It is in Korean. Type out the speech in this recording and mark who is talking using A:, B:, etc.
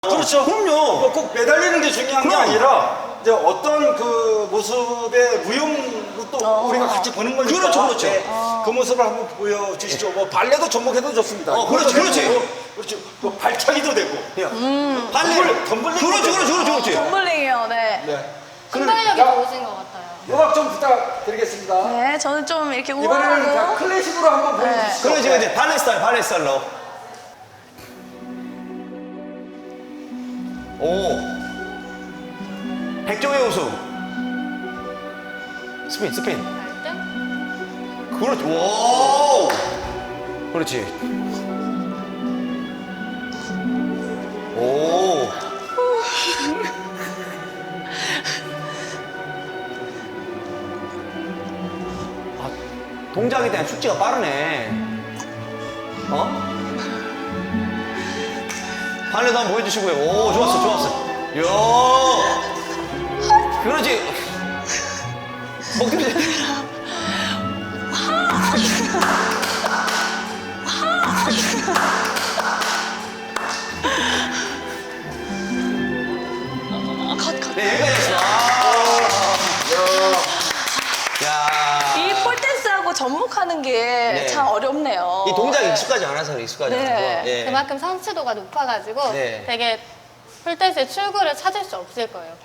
A: 그렇죠.
B: 그럼요.
A: 꼭 매달리는 게 중요한 게
B: 그럼.
A: 아니라 이제 어떤 그 모습의 무용도 또 우리가 같이 보는 거니까.
B: 그렇죠, 그렇죠.
A: 그 모습을 한번 보여주시죠. 뭐 발레도 접목해도 좋습니다.
B: 그렇지,
A: 그것도
B: 그렇지.
A: 되고, 그렇지. 뭐 발차기도 되고.
B: 발레.
A: 덤블링.
B: 그렇지.
C: 덤블링이요, 네.
A: 네.
D: 순발력이
A: 자,
D: 좋으신 것 같아요.
A: 음악 좀 부탁드리겠습니다.
C: 네, 저는 좀 이렇게
A: 이번에는 자,
C: 우아하고.
A: 클래식으로 한번 보여주시죠.
B: 그럼 지금 이제 발레 스타일로. 오. 백종의 우승. 스핀.
D: 발등?
B: 그렇지. 오. 그렇지. 오. 아, 동작에 대한 숙지가 빠르네. 어? 발레도 한번 보여주시고요. 오, 좋았어. 이야. 그렇지. 엉덩이. 네, 여기까지 했어. 야.
C: 이 폴댄스하고 접목하는 게
B: 네.
C: 참 어렵네요.
B: 이 동작이 익숙하지 않아서 익숙하지
C: 네.
B: 않아서. 예.
D: 그만큼 성취도가 높아가지고
B: 네.
D: 되게 폴댄스의 출구를 찾을 수 없을 거예요.